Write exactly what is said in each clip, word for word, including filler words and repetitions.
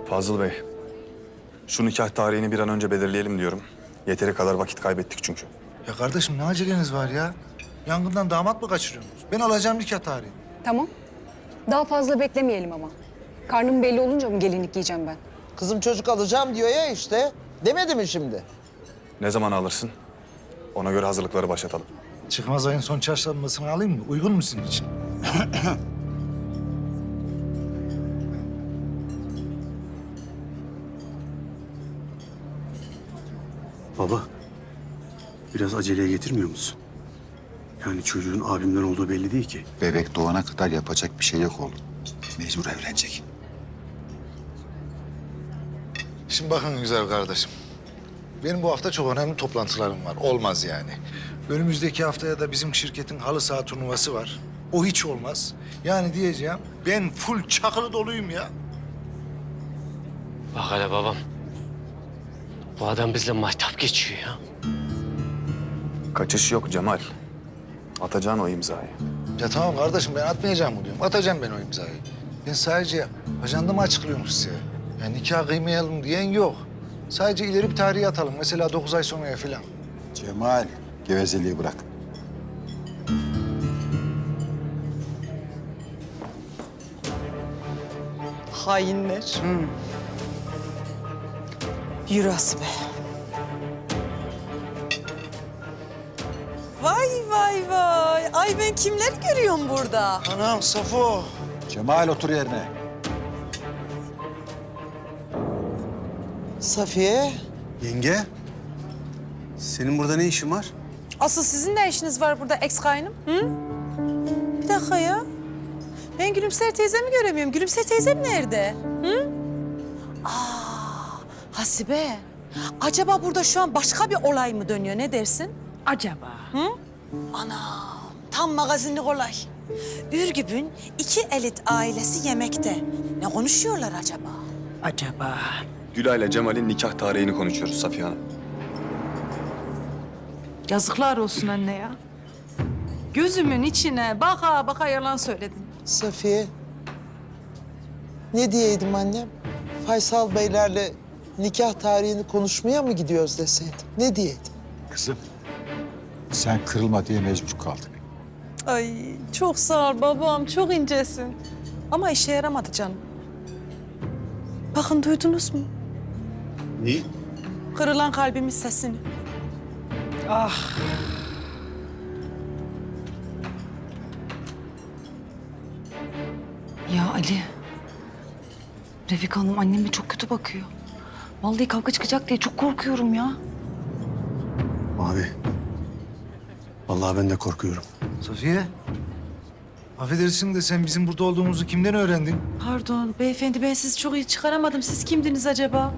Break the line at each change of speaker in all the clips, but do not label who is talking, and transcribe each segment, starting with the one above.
Fazıl Bey, şu nikah tarihini bir an önce belirleyelim diyorum. Yeteri kadar vakit kaybettik çünkü.
Ya kardeşim ne aceleniz var ya? Yangından damat mı kaçırıyorsunuz? Ben alacağım nikah tarihi.
Tamam. Daha fazla beklemeyelim ama. Karnım belli olunca mı gelinlik giyeceğim ben?
Kızım çocuk alacağım diyor ya işte. Demedi mi şimdi?
Ne zaman alırsın? Ona göre hazırlıkları başlatalım.
Çıkmaz ayın son çarşambasını alayım mı? Uygun mu sizin için?
Baba, biraz aceleye getirmiyor musun? Yani çocuğun abimden olduğu belli değil ki.
Bebek doğana kadar yapacak bir şey yok oğlum. Mecbur evlenecek.
Şimdi bakın güzel kardeşim. Benim bu hafta çok önemli toplantılarım var. Olmaz yani. Önümüzdeki haftaya da bizim şirketin halı saha turnuvası var. O hiç olmaz. Yani diyeceğim ben full çakılı doluyum ya.
Bak hele babam. Bu adam bizle mahtap geçiyor ya.
Kaçış yok Cemal. Atacaksın o imzayı.
Ya tamam kardeşim ben atmayacağım mı diyorum. Atacağım ben o imzayı. Ben sadece ajandamı açıklıyorum size. Yani nikah kıymayalım diyen yok. Sadece ileri bir tarihe atalım. Mesela dokuz ay sonraya falan.
Cemal, gevezeliği bırak.
Hainler. Yürü Asibe. Vay vay vay. Ay ben kimleri görüyorum burada?
Anam Safo.
Cemal otur yerine.
Safiye.
Yenge, senin burada ne işin var?
Asıl sizin ne işiniz var burada ex kaynım? Hı? Bir dakika ya. Ben Gülümser teyzemi göremiyorum. Gülümser teyzem nerede? Hı? Aa, Hasibe. Acaba burada şu an başka bir olay mı dönüyor? Ne dersin?
Acaba?
Hı? Anam, tam magazinlik olay. Ürgüp'ün iki elit ailesi yemekte. Ne konuşuyorlar acaba?
Acaba?
Gülay'la Cemal'in nikah tarihini konuşuyoruz Safiye Hanım.
Yazıklar olsun anne ya. Gözümün içine baka baka yalan söyledin.
Safiye. Ne diyeydim annem? Faysal Beylerle nikah tarihini konuşmaya mı gidiyoruz deseydim? Ne diyeydim?
Kızım, sen kırılma diye mecbur kaldık.
Ay çok sağ ol babam, çok incesin. Ama işe yaramadı canım. Bakın duydunuz mu?
Neyi?
Kırılan kalbimin sesini.
Ya Ali, Refika Hanım anneme çok kötü bakıyor. Vallahi kavga çıkacak diye çok korkuyorum ya.
Abi, vallahi ben de korkuyorum.
Safiye. Affedersin de sen bizim burada olduğumuzu kimden öğrendin?
Pardon beyefendi, ben sizi çok iyi çıkaramadım. Siz kimdiniz acaba?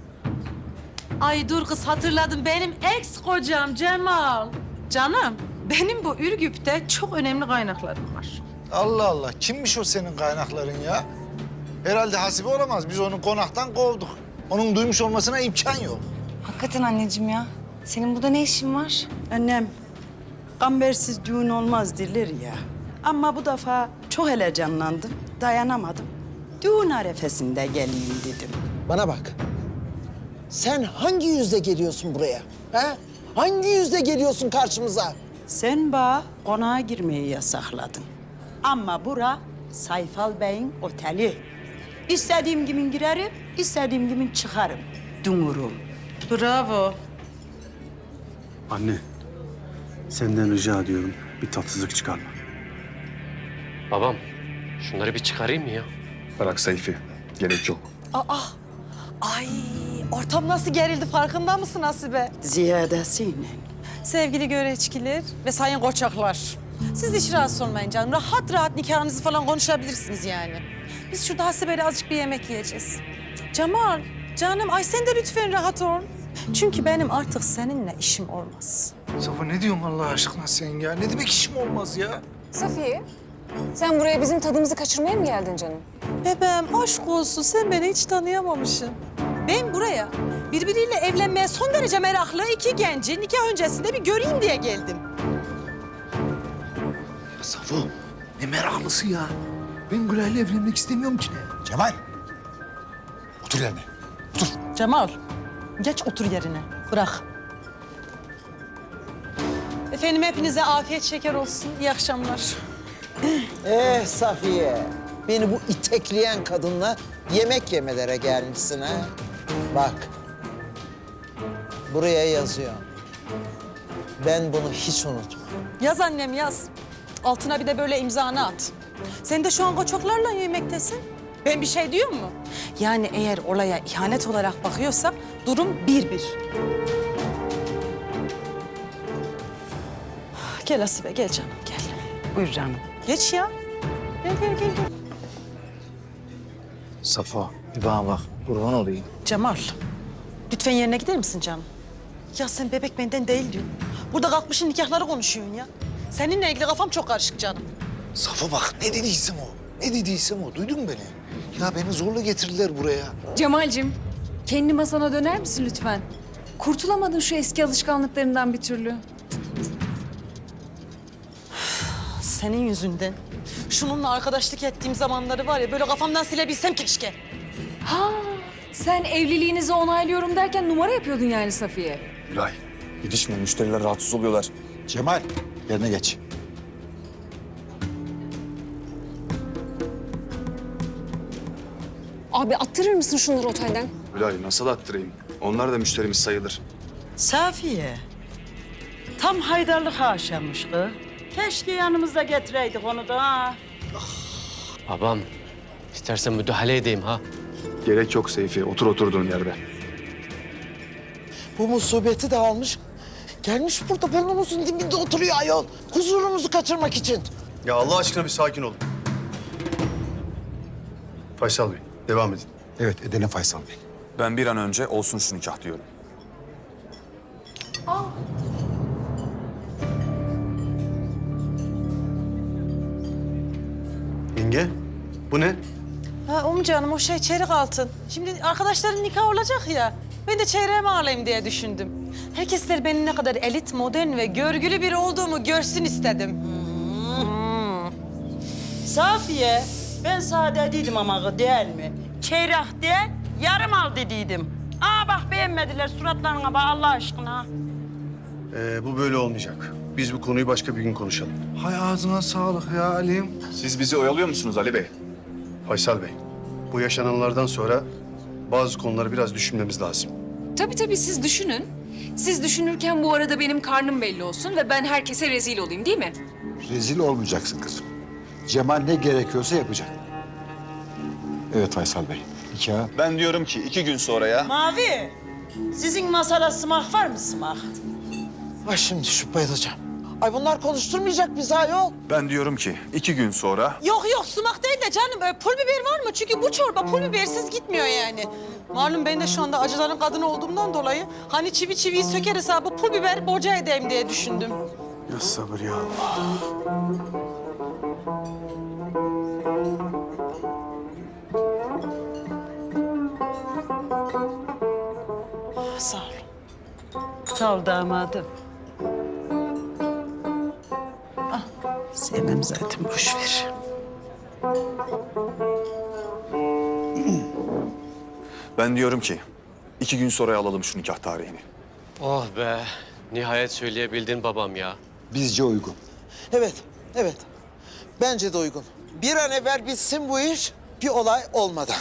Ay dur kız, hatırladım. Benim ex kocam Cemal. Canım, benim bu Ürgüp'te çok önemli kaynaklarım var.
Allah Allah. Kimmiş o senin kaynakların ya? Herhalde Hasibe olamaz. Biz onu konaktan kovduk. Onun duymuş olmasına imkan yok.
Hakikaten anneciğim ya. Senin burada ne işin var?
Annem, kambersiz düğün olmaz derler ya. Ama bu defa çok heyecanlandım, dayanamadım. Düğün arefesinde geleyim dedim.
Bana bak. Sen hangi yüzle geliyorsun buraya? Ha? Hangi yüzle geliyorsun karşımıza?
Sen bana konağa girmeyi yasakladın. Ama bura Sayfal Bey'in oteli. İstediğim gibi girerim, istediğim gibi çıkarım. Dumurum.
Bravo.
Anne, senden rica ediyorum bir tatsızlık çıkarma.
Babam, şunları bir çıkarayım mı ya?
Bırak Seyfi. Gerek yok.
Aa, ay ortam nasıl gerildi, farkında mısın Hasibe?
Ziyadesiyle.
Sevgili göreçkiler ve sayın koçaklar. Siz hiç rahatsız olmayın canım. Rahat rahat nikahınızı falan konuşabilirsiniz yani. Biz şurada Hasibe'yle azıcık bir yemek yiyeceğiz. Cemal, canım ay sen de lütfen rahat ol. Çünkü benim artık seninle işim olmaz.
Safo ne diyorsun Allah aşkına sen ya? Ne demek işim olmaz ya?
Safiye, sen buraya bizim tadımızı kaçırmaya mı geldin canım?
Bebeğim aşk olsun, sen beni hiç tanıyamamışsın. Ben buraya birbiriyle evlenmeye son derece meraklı iki genci nikah öncesinde bir göreyim diye geldim.
Ya Safo ne meraklısı ya? Ben Gülay'la evlenmek istemiyorum ki ne?
Cemal, Otur yerine.
Cemal, geç otur yerine. Bırak. Efendim hepinize afiyet şeker olsun. İyi akşamlar.
Eh Safiye, beni bu itekleyen kadınla yemek yemelere gelmişsin ha. Bak, buraya yazıyor. Ben bunu hiç unutmam.
Yaz annem yaz. Altına bir de böyle imzanı at. Sen de şu an koçoklarla yemektesin. Ben bir şey diyor mu? Yani eğer olaya ihanet olarak bakıyorsak durum bir bir. Gel Asibe, gel canım, gel.
Buyur canım.
Geç ya. Gel, gel, gel. gel.
Safo, bir bana bak. Kurban olayım.
Cemal, lütfen yerine gider misin canım? Ya sen bebek benden değil diyorsun. Burada kalkmışsın nikahları konuşuyorsun ya. Seninle ilgili kafam çok karışık canım.
Safo bak ne dediysem o. Ne dediysem o. Duydun mu beni? Ya beni zorla getirdiler buraya.
Cemal'cim, kendi masana döner misin lütfen? Kurtulamadın şu eski alışkanlıklarından bir türlü.
Senin yüzünden. Şununla arkadaşlık ettiğim zamanları var ya böyle kafamdan silebilsem keşke.
Ha, sen evliliğinizi onaylıyorum derken numara yapıyordun yani Safiye.
Gülay, gidişme. Müşteriler rahatsız oluyorlar.
Cemal, yerine geç.
Abi attırır mısın şunları otelden?
Gülay, nasıl attırayım? Onlar da müşterimiz sayılır.
Safiye, tam haydarlık aşamış kız. Keşke yanımızda getireydik onu da ha.
Babam, istersen müdahale edeyim ha.
Gerek yok Seyfi. Otur oturduğun yerde.
Bu musibeti de almış. Gelmiş burada burnumuzun dibinde oturuyor ayol. Huzurumuzu kaçırmak için.
Ya Allah aşkına bir sakin olun. Faysal Bey, devam edin.
Evet, edelim Faysal Bey.
Ben bir an önce olsun şu nikah diyorum.
Yenge, bu ne?
Ha um canım o şey çeyrek altın. Şimdi arkadaşların nikahı olacak ya. Ben de çeyreğimi alayım diye düşündüm. Herkesler benim ne kadar elit, modern ve görgülü biri olduğumu görsün istedim.
Safiye, ben sana dediydim ama kız değil mi? Çeyrek değil, yarım al dediydim. Aa bak beğenmediler suratlarına bak Allah aşkına.
Ee, bu böyle olmayacak. Biz bu konuyu başka bir gün konuşalım.
Hay ağzına sağlık ya Ali'm.
Siz bizi oyalıyor musunuz Ali Bey?
Faysal Bey, bu yaşananlardan sonra bazı konuları biraz düşünmemiz lazım.
Tabii tabii siz düşünün. Siz düşünürken bu arada benim karnım belli olsun ve ben herkese rezil olayım değil mi?
Rezil olmayacaksın kızım. Cemal ne gerekiyorsa yapacak. Evet Faysal Bey, nikah.
Ben diyorum ki iki gün sonra ya.
Mavi, sizin masada sımak var mı sımak?
Ay şimdi şu bayılacağım. Ay bunlar konuşturmayacak bizi ayol.
Ben diyorum ki iki gün sonra
Yok yok sumak değil de canım böyle pul biber var mı? Çünkü bu çorba pul bibersiz gitmiyor yani. Malum ben de şu anda acıların kadını olduğumdan dolayı hani çivi çiviyi söker hesabı pul biber boca edeyim diye düşündüm.
Ya sabır ya Allah.
Sağ ol.
Sağ ol damadım. Ah, sevmem zaten boş ver.
ben diyorum ki iki gün sonra alalım şu nikah tarihini.
Oh be, nihayet söyleyebildin babam ya.
Bizce uygun.
Evet, evet. Bence de uygun. Bir an evvel bitsin bu iş, bir olay olmadan.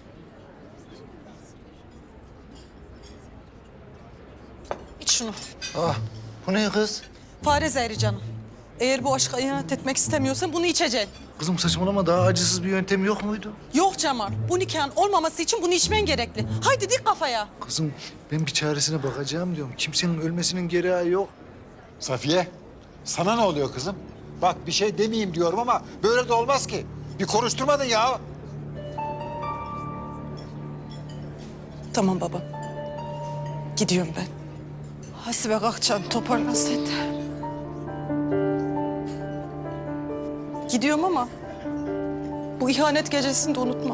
İç şunu.
Ah, bu ne kız?
Fare zehri canım. Eğer bu aşka ihanet etmek istemiyorsan bunu içeceksin.
Kızım saçmalama daha acısız bir yöntem yok muydu?
Yok Cemal, bu nikahın olmaması için bunu içmen gerekli. Haydi dik kafaya.
Kızım ben bir çaresine bakacağım diyorum. Kimsenin ölmesinin gereği yok.
Safiye, sana ne oluyor kızım? Bak bir şey demeyeyim diyorum ama böyle de olmaz ki. Bir konuşturmadın ya.
Tamam baba. Gidiyorum ben. Hasibe kalk canım, toparlan sen de. Gidiyorum ama bu ihanet gecesini de unutma.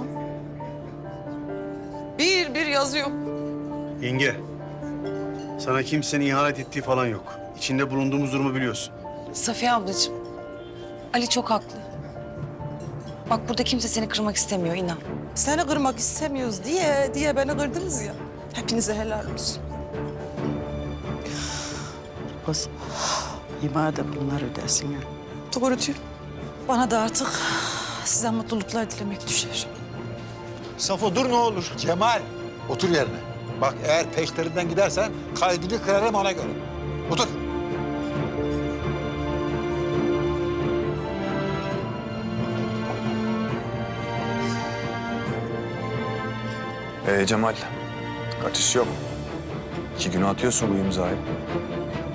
Bir bir yazıyorum.
Yenge, sana kimsenin ihanet ettiği falan yok. İçinde bulunduğumuz durumu biliyorsun.
Safiye ablacığım, Ali çok haklı. Bak burada kimse seni kırmak istemiyor inan.
Seni kırmak istemiyoruz diye diye beni kırdınız ya. Hepinize helal olsun.
Kız, İma da bunlar ödesin ya.
Doğru diyor. Bana da artık size mutluluklar dilemek düşer.
Safo dur ne olur. Cemal otur yerine. Bak eğer peşlerinden gidersen kaydını kırarım ona göre. Otur.
Ee Cemal, kaçış yok. İki güne atıyorsun bu imzayı.